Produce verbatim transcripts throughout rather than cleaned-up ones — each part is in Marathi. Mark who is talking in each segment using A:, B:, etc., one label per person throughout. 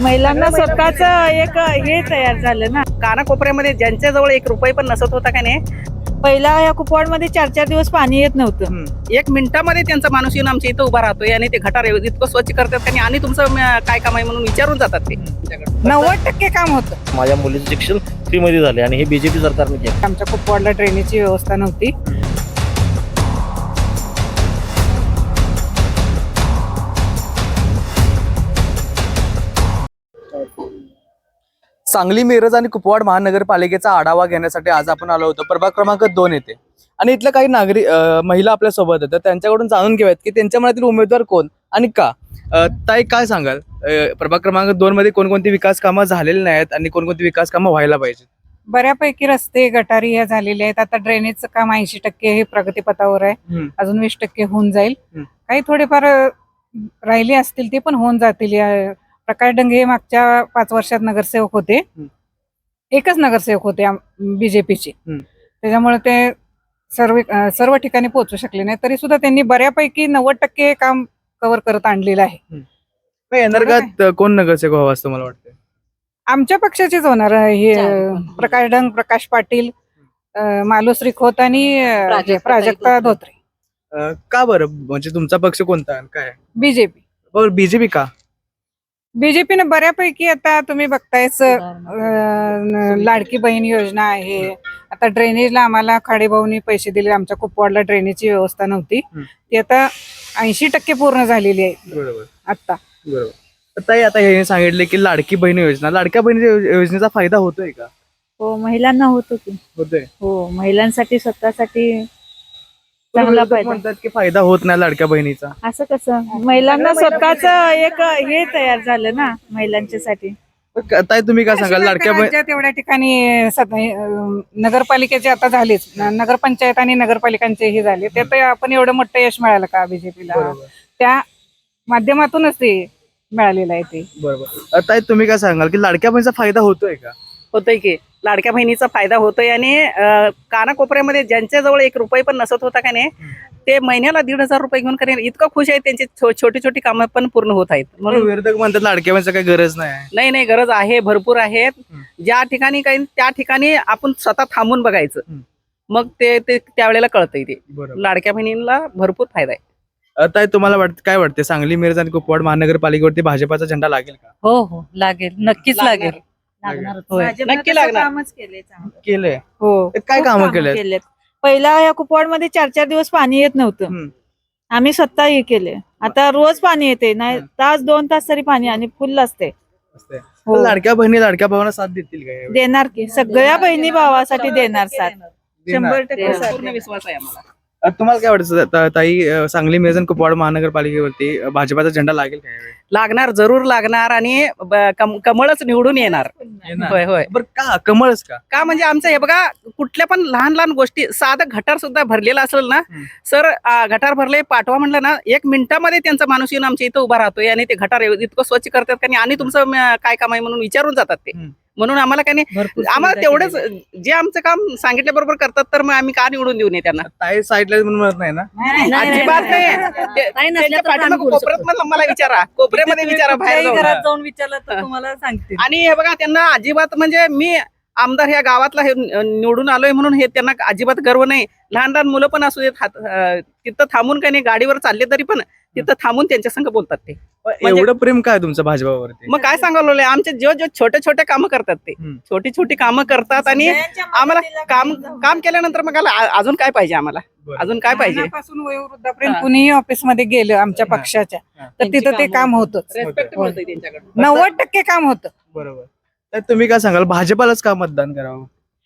A: महिलांना स्वतःच एक हे तयार झालं ना.
B: कानाकोपऱ्यामध्ये ज्यांच्याजवळ एक रुपये पण नसत होता का नाही,
A: पहिला या कुपवाडमध्ये चार चार दिवस पाणी येत नव्हतं.
B: एक मिनिटामध्ये त्यांचा माणूस येऊन आमच्या इथं उभा राहतोय आणि ते गटार इतकं स्वच्छ करतात का नाही, आणि तुमचं अं, काय काम आहे म्हणून विचारून जातात ते.
A: नव्वद टक्के काम होतं.
C: माझ्या मुलीचं शिक्षण फ्रीमध्ये झाले आणि हे बीजेपी सरकारने केलं.
A: आमच्या कुपवाडला ड्रेनेजची व्यवस्था नव्हती.
D: सांगली, मिरज आणि कुपवाड महानगरपालिकेचा आढावा घेण्यासाठी आज आपण आलो होतो प्रभाग क्रमांक दोन येथे. आणि इथल्या काही नागरिक अं, महिला आपल्या सोबत आहेत, त्यांच्याकडून जाणून घेऊयात की त्यांच्या मनातील उमेदवार कोण आणि का. अं, ताई, काय सांगाल, अं, प्रभाग क्रमांक दोन मध्ये कोणकोणती विकास कामं झालेली नाहीत आणि कोणकोणती विकास कामं व्हायला पाहिजेत?
A: बऱ्यापैकी रस्ते गटारी हे झालेले आहेत. आता ड्रेनेजचं काम ऐंशी टक्के हे प्रगतीपथावर आहे.
D: हम्म.
A: अजून वीस टक्के होऊन जाईल.
D: हम्म.
A: काही थोडेफार अ, राहिले असतील ते पण होऊन जातील. या- प्रकाश डंगे हे मागच्या पाच वर्षात नगरसेवक होते.
D: हम्म.
A: एकच नगरसेवक होते बीजेपीचे.
D: हम्म.
A: त्याच्यामुळे ते सर्व अ, सर्व ठिकाणी पोहोचू शकले नाही. तरी सुद्धा त्यांनी बऱ्यापैकी नव्वद टक्के काम कव्हर करत आणलेलं आहे.
D: मग येणार काळात कोण नगरसेवक व्हावं असं मला वाटतं?
A: आमच्या पक्षाचेच होणार आहे. हे प्रकाश डंग, प्रकाश पाटील, अ, मालुसरी खोत आणि अ, हे प्राजक्ता धोत्रे.
D: अं, का बरं, म्हणजे तुमचा पक्ष कोणता आणि काय?
A: बीजेपी
D: बरं, बीजेपी का?
A: बीजेपीने बऱ्यापैकी आता तुम्ही बघतायच, अ, लाडकी बहीण योजना आहे. आता ड्रेनेजला आम्हाला खाडेभाऊनी पैसे दिले. आमच्या कुपवाडला ड्रेनेजची व्यवस्था नव्हती.
D: हम्म.
A: ती आता ऐंशी टक्के पूर्ण झालेली आहे
D: बरोबर
A: आता.
D: बरोबर. तर ताई, आता हे सांगितले की लाडकी बहीण योजना, लाडक्या बहिणी योजनेचा फायदा होतोय का?
A: हो, महिलांना होतो की.
D: होतोय.
A: हो, महिलांसाठी स्वतःसाठी
D: पण
A: चांगला
D: विरोधक
A: फायदा.
D: म्हणतात की फायदा होत नाही लाडक्या बहिणीचा.
A: असं कसं, महिलांना स्वतःच एक हे तयार झालं ना महिलांच्यासाठी.
D: पण क- ताई, तुम्ही काय सांगाल लाडक्या बहीण?
A: राज्यात एवढ्या ठिकाणी सद- अं, नगरपालिकेचे आता झालेच, न- नगरपंचायत आणि नगरपालिकांचे हे झाले. त्यात आपण एवढं मोठं यश मिळालं का बीजेपीला?
D: बरोबर
A: त्या माध्यमातूनच ते मिळालेलं आहे ते.
D: बरोबर. ताई, तुम्ही काय सांगाल की लाडक्या बहिणीचा फायदा होतोय का?
B: होतोय की लाडक्या बहिणीचा फायदा होतोय, आणि अं, कानाकोपऱ्यामध्ये ज्यांच्याजवळ एक रुपये पण नसत होता का नाही, ते महिन्याला दीड हजार रुपये घेऊन करेन इतकं खुश आहे. त्यांची छो- छोटी छोटी कामं पण पूर्ण होत आहेत.
D: म्हणून
B: म्हणून
D: विरोधक म्हणतात लाडक्या बहिणीचा काही गरज नाही.
B: नाही नाही, गरज आहे, भरपूर आहेत.
D: हम्म.
B: ज्या ठिकाणी काही त्या ठिकाणी आपण स्वतः थांबून बघायचं,
D: हम्म.
B: मग ते ते त्यावेळेला कळतंय ते.
D: बरोबर.
B: लाडक्या बहिणींना भरपूर फायदा आहे.
D: ताई, तुम्हाला वाटत काय वाटते, सांगली, मिरज आणि कुपवाड महानगरपालिकेवरती भाजपाचा झेंडा लागेल का?
E: हो हो लागेल, नक्कीच लागेल.
D: लागणार.
E: होय.
B: नक्की लागणार.
A: कामच केले चांगलं.
D: केलंय.
A: हो,
D: ते काय
A: खूप
D: कामं
A: कामं
D: केलेत?
A: केलेत. पहिला या कुपवाडमध्ये चार चार दिवस पाणी येत नव्हतं. आम्ही स्वतः हे केले. आता रोज पाणी येते, नाही
D: हम्म.
A: तास दोन तास तरी पाणी आणि फुल असते. हो.
D: लाडक्या बहिणी लाडक्या भावांना साथ देतील का यावेळी?
A: देणार की सगळ्या बहिणी भावासाठी देणार साथ.
D: देणार.
A: शंभर टक्के साथ
B: पूर्ण
A: देणार.
B: विश्वास आहे आम्हाला.
D: अ, तुम्हाला काय वाटतं ता- ताई, अ, सांगली, मिरज आणि कुपवाड महानगरपालिकेवरती अ, भाजपाचा झेंडा लागेल का यावेळी?
B: लागणार, जरूर लागणार, आणि ब- कम- कमळच निवडून येणार. होय होय.
D: बरं, का कमळच का?
B: का म्हणजे आमचं हे बघा, कुठल्या पण लहान लहान गोष्टी, साधं गटार सुद्धा भरलेला असेल ना,
D: हम्म.
B: सर आ, गटार भरले पाठवा म्हणलं ना, एक मिनिटामध्ये त्यांचा माणूस येऊन आमच्या इथं उभा राहतोय आणि ते गटार इतकं स्वच्छ करतात का नाही, आणि तुमचं अं, काय काम आहे म्हणून विचारून जातात ते.
D: हम्म.
B: म्हणून आम्हाला काय नाही,
E: भरपूर
B: आम्हाला
E: सुविधा
B: तेवढंच
E: केलेल्या
B: जे आमचं काम सांगितल्या बरोबर करतात, तर मग आम्ही का निवडून देऊ नये त्यांना?
D: ताई साईडला म्हणून म्हणत नाही ना?
E: नाही, नाही,
B: अजिबात
E: नाही,
B: नाही.
E: नाही.
B: ते-
E: नाही नसल्या
B: त्यांच्या
E: तर आम्ही
B: पाठीमागं
E: बोलू
B: कोपऱ्यात
E: शकतो.
B: मला मला विचारा, कोपऱ्यामध्ये विचारा, बाहेर
E: कुठल्याही
B: जाऊन.
E: घरात जाऊन विचारलं तर तुम्हाला सांगतील.
B: आणि हे बघा, त्यांना अजिबात म्हणजे मी आमदार ह्या गावातला हे निवडून आलोय म्हणून हे त्यांना अजिबात गर्व नाही. लहान लहान मुलं पण असू देत, हात- अं, तिथं थांबून काही नाही, गाडीवर चालले तरी पण तिथं थांबून त्यांच्या संग बोलतात ते. म्हणजे-
D: एवढं प्रेम काय तुमचं भाजपावरती?
B: मग काय सांगावं, आमचे जो जो छोटे छोटे कामं करतात ते,
D: हम्म.
B: छोटी छोटी कामं करतात, आणि आम्हाला काम काम केल्यानंतर मग आला- अजून काय पाहिजे आम्हाला?
D: बरं.
B: अजून काय पाहिजे?
A: लहानापासून वयोवृद्धापर्यंत
B: हा.
A: कुणीही ऑफिसमध्ये गेलं आमच्या
D: हा.
A: पक्षाच्या,
D: हा.
A: तर तिथं ते काम होतच.
B: Respect
A: होय.
B: मिळतंय त्यांच्याकडून.
A: नव्वद टक्के काम होतं.
D: बरोबर. तर तुम्ही काय सांगाल, भाजपालाच का मतदान करावं?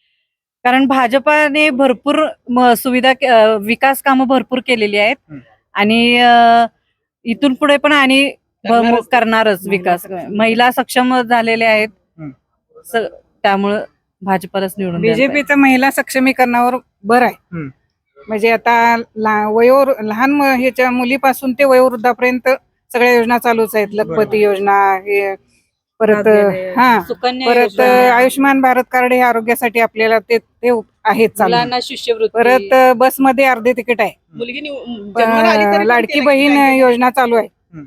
E: कारण भाजपाने भरपूर म- सुविधा के- अं, विकास कामं भरपूर केलेली आहेत.
D: हम्म.
E: आणि अं, इथून पुढे पण आणि ब-
B: करणारच.
E: करणारच विकास. महिला सक्षम झालेल्या आहेत.
D: हम्म.
E: स- त्यामुळं भाजपालाच निवडून द्यायला पाहिजे.
A: बीजेपीचं महिला सक्षमीकरणावर भर आहे.
D: हम्म.
A: म्हणजे आता ला- वयो लहान म- ह्याच्या मुलीपासून ते वयोवृद्धापर्यंत सगळ्या योजना चालूच आहेत. लखपती योजना, हे परत हा
E: सुकन्या
A: परत
E: योजना,
A: आयुष्यमान भारत कार्ड हे आरोग्यासाठी आपल्याला ते ते आहेत चालू.
E: मुलांना शिष्यवृत्ती,
A: परत बसमध्ये अर्धे तिकीट आहे.
B: मुलगी निव- जन्माला आली तरी
A: प-
B: पण
A: लाडकी
B: त्याला
A: बहीण
B: काय-
A: योजना चालू आहे.
D: हम्म.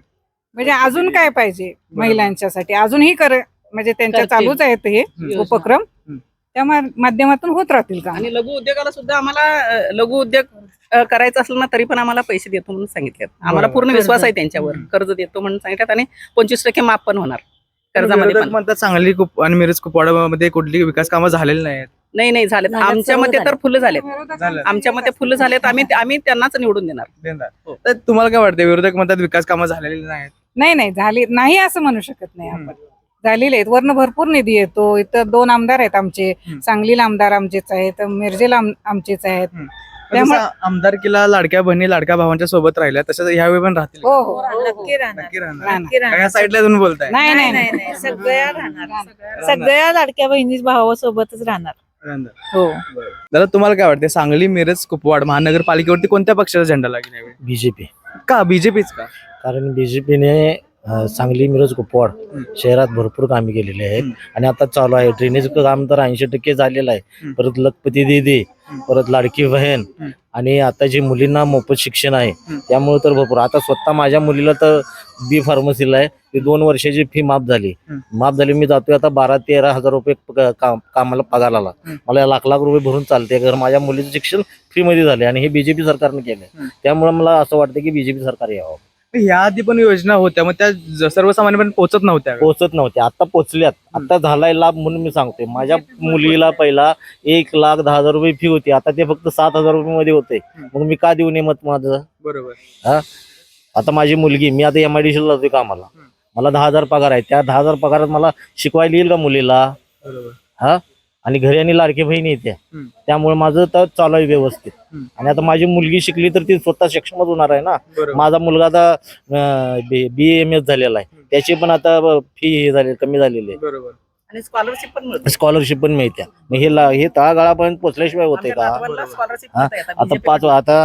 A: म्हणजे अजून काय पाहिजे महिलांच्यासाठी अजूनही कर म्हणजे त्यांच्या
B: करतील.
A: चालूच आहेत हे
B: योजना.
A: उपक्रम
D: हम्म.
A: त्या मा- माध्यमातून होत राहतील का
B: आणि लघु उद्योगाला सुद्धा आम्हाला अ, लघु उद्योग अ, करायचा असेल ना तरी पण आम्हाला पैसे देतो म्हणून सांगितले आम्हाला
D: बरोबर.
B: पूर्ण विश्वास आहे
E: कर्ज.
B: त्यांच्यावर
D: हम्म.
B: कर्ज देतो म्हणून सांगितलं आणि पंचवीस टक्के माफ पण होणार कर्जामध्ये
D: विरोधक
B: पण.
D: म्हणतात सांगली कुप आणि मिरज कुपवाडामध्ये कुठली विकास कामं झालेली नाहीत.
B: नाही नाही झालेत
E: झालेत,
B: आमच्या
E: सर्व
B: मते तर
E: झालेत.
B: फुलं झालेत
D: झालं.
B: आमच्या मते फुलं झालेत आम्ही आम्ही त्यांनाच निवडून देणार
D: देणार.
B: हो.
D: तर तुम्हाला काय वाटतं विरोधक म्हणतात विकास कामं झालेली नाहीत.
A: नाही नाही झाली नाही असं म्हणू शकत नाही
D: हम्म.
A: आपण झालेले आहेत वरनं भरपूर निधी येतो इथं दोन आमदार आहेत आमचे
D: हम्म.
A: सांगलीला आमदार आमचेच आहेत मिरजेला आम- आमचेच आहेत
D: पण
A: त्यामुळे-
D: जसं आमदारकीला लाडक्या बहिणी लाडक्या भावांच्या सोबत राहिल्या तसंच ह्यावेळी पण राहतील.
A: हो हो
F: नक्की राहणार
D: नक्की राहणार.
A: राहणार.
F: नक्की राहणार.
D: या साईडला तुम्ही बोलताय.
A: नाही
F: नाही
A: नाही
F: नाही नाही सगळ्या राहणार
D: राहणार.
F: सगळ्या लाडक्या बहिणी भावासोबतच राहणार
D: राहणार.
F: हो
D: दादा तुम्हाला काय वाटते सांगली मिरज कुपवाड महानगरपालिकेवरती कोणत्या पक्षाचा झेंडा लागेल यावेळी?
C: बीजेपी
D: का बीजेपीच का?
C: कारण बीजेपीने सांगली मिरज कुपवाड शहरात भरपूर कामे केलेली आहेत
D: हम्म.
C: आणि आता चालू आहे ड्रेनेज काम तर ऐंशी टक्के झालेलं आहे.
D: हम्म.
C: परत लखपती दीदी
D: हम्म.
C: परत लाडकी बहीण
D: हम्म.
C: आणि आता जी मुलींना मोफत शिक्षण आहे
D: हम्म.
C: त्यामुळे तर भरपूर आता स्वतः माझ्या मुलीला तर बी फार्मसीला आहे ती दोन वर्षाची फी माफ झाली
D: हम्म.
C: माफ झाली मी जातोय आता बारा तेरा हजार रुपये प- काम- कामाला पगार आला
D: हम्म.
C: मला लाख लाख रुपये भरून चालते घर माझ्या मुलीचं शिक्षण फ्री मध्ये झाले आणि हे बीजेपी सरकारने केलंय
D: हम्म.
C: त्यामुळे मला असं वाटतं की बीजेपी सरकार यावं.
D: ह्या आधी पण योजना होत्या मग त्या ज- सर्वसामान्यपर्यंत पोहोचत नव्हत्या का?
C: पोहोचत नव्हते आता पोहोचल्यात आता झालाय लाभ म्हणून मी सांगतोय माझ्या मुलीला पहिला एक लाख दहा हजार रुपये फी होती आता ते फक्त सात हजार रुपये मध्ये होते मग मी का देऊ नये मत माझं
D: बरोबर.
C: आता माझी मुलगी मी आता एम आय डी सी जातोय कामाला
D: हम्म.
C: मला दहा हजार पगार आहे त्या दहा हजार पगारात मला शिकवायला येईल का मुलीला
D: बरोबर.
C: हा आणि घरी आणि लाडकी बहिणी येते
D: हम्म.
C: त्यामुळे माझं तर चालू आहे व्यवस्थित
D: हम्म.
C: आणि आता माझी मुलगी शिकली तर ती स्वतः सक्षमच होणार आहे ना
D: बरोबर.
C: माझा मुलगा आता बी एम एस झालेला आहे त्याची पण आता फी हे झाली कमी झालेली आहे
D: बरोबर.
B: आणि स्कॉलरशिप पण मिळते
C: स्कॉलरशिप पण मिळते मग हे ला- हे तळागाळापर्यंत पोहोचल्याशिवाय होते
B: आमच्या
C: का
B: नातवांना scholarship
C: हा?
B: मिळते आता
C: आता
B: BJP
C: पाच आता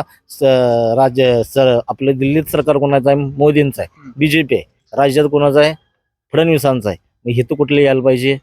C: स- राज्य सर आपलं दिल्लीत सरकार कोणाचं आहे मोदींचं आहे
D: हम्म.
C: बीजेपी आहे राज्यात कोणाचं आहे फडणवीसांचं आहे मग हे तर कुठले यायला पाहिजे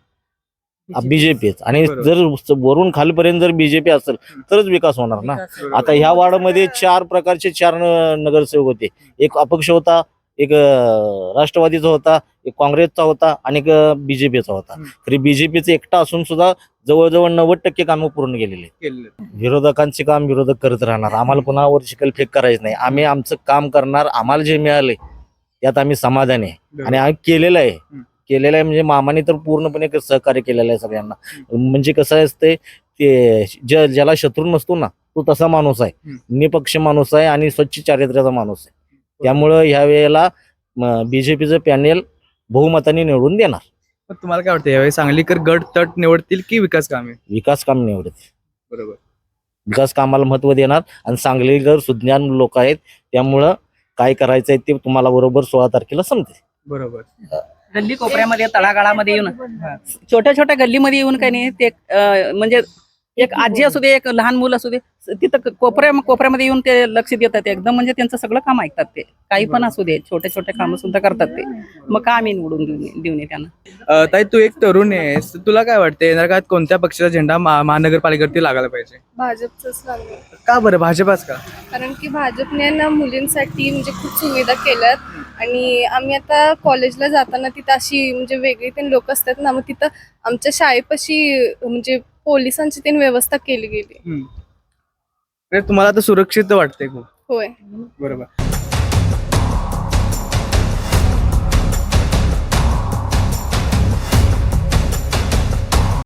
C: बीजेपीच आणि
D: बरोबर.
C: जर स- वरून खालपर्यंत जर बीजेपी असेल तरच विकास होणार ना आता ह्या वार्डमध्ये चार प्रकारचे चार न- नगरसेवक होते एक अपक्ष होता एक अं, राष्ट्रवादीचा होता एक काँग्रेसचा होता आणि एक बीजेपीचा होता
D: हम्म.
C: तरी बीजेपीचे एकटा असून सुद्धा जवळजवळ नव्वद टक्के कामं पूर्ण केलेली आहेत.
D: केलेलं.
C: विरोधकांचे काम विरोधक करत राहणार आम्हाला पुन्हावर शिकल फेक करायचं नाही आम्ही आमचं काम करणार आम्हाला जे मिळाले त्यात आम्ही समाधानी आहे आणि आम्ही केलेलं आहे
D: हम्म.
C: केलेलं आहे म्हणजे मामाने तर पूर्णपणे क- सहकार्य केलेलं आहे सगळ्यांना म्हणजे कसं असते ते ज- ज्याला शत्रू नसतो ना तो तसा माणूस आहे
D: हम्म.
C: निपक्ष माणूस आहे आणि स्वच्छ चारित्र्याचा माणूस आहे त्यामुळं ह्या वेळेला बीजेपीचं पॅनेल बहुमताने निवडून देणार
D: मग तुम्हाला काय वाटतं यावेळी सांगलीकर गट तट निवडतील की विकास कामे?
C: विकास काम निवडते
D: बरोबर.
C: विकास कामाला महत्व देणार आणि सांगलीकर सुज्ञान लोक आहेत त्यामुळं काय करायचंय ते तुम्हाला बरोबर सोळा तारखेला समजेल.
D: बरोबर.
B: गल्ली कोपऱ्यामध्ये तळागाळामध्ये येऊन छोट्या छोट्या गल्लीमध्ये येऊन काही नाही ते अं, म्हणजे एक आजी असू दे एक लहान मुलं असू दे तिथं क- कोपऱ्या कोपऱ्यामध्ये येऊन ते लक्ष देतात एकदम म्हणजे त्यांचं सगळं काम ऐकतात ते काही पण असू दे छोटे छोटे कामं सुद्धा करतात ते मग का आम्ही निवडून देऊ देऊ नये त्यांना
D: अं, ताई तू एक तरुण आहेस तर तुला काय वाटतं येणार काळात कोणत्या पक्षाचा झेंडा महा- महानगरपालिकेवरती लागायला पाहिजे?
G: भाजपचंच लागलं
D: का बरं भाजपाच का?
G: कारण की भाजपने ना मुलींसाठी म्हणजे खूप सुविधा केल्यात आणि आम्ही आता कॉलेजला जाताना तिथं अशी म्हणजे वेगळी तीन लोक असतात ना मग तिथं आमच्या शाळेपाशी म्हणजे पोलिसांची तीन व्यवस्था केली गेली
D: हम्म. म्हणजे तुम्हाला आता सुरक्षित वाटते खूप.
G: होय
D: बरोबर.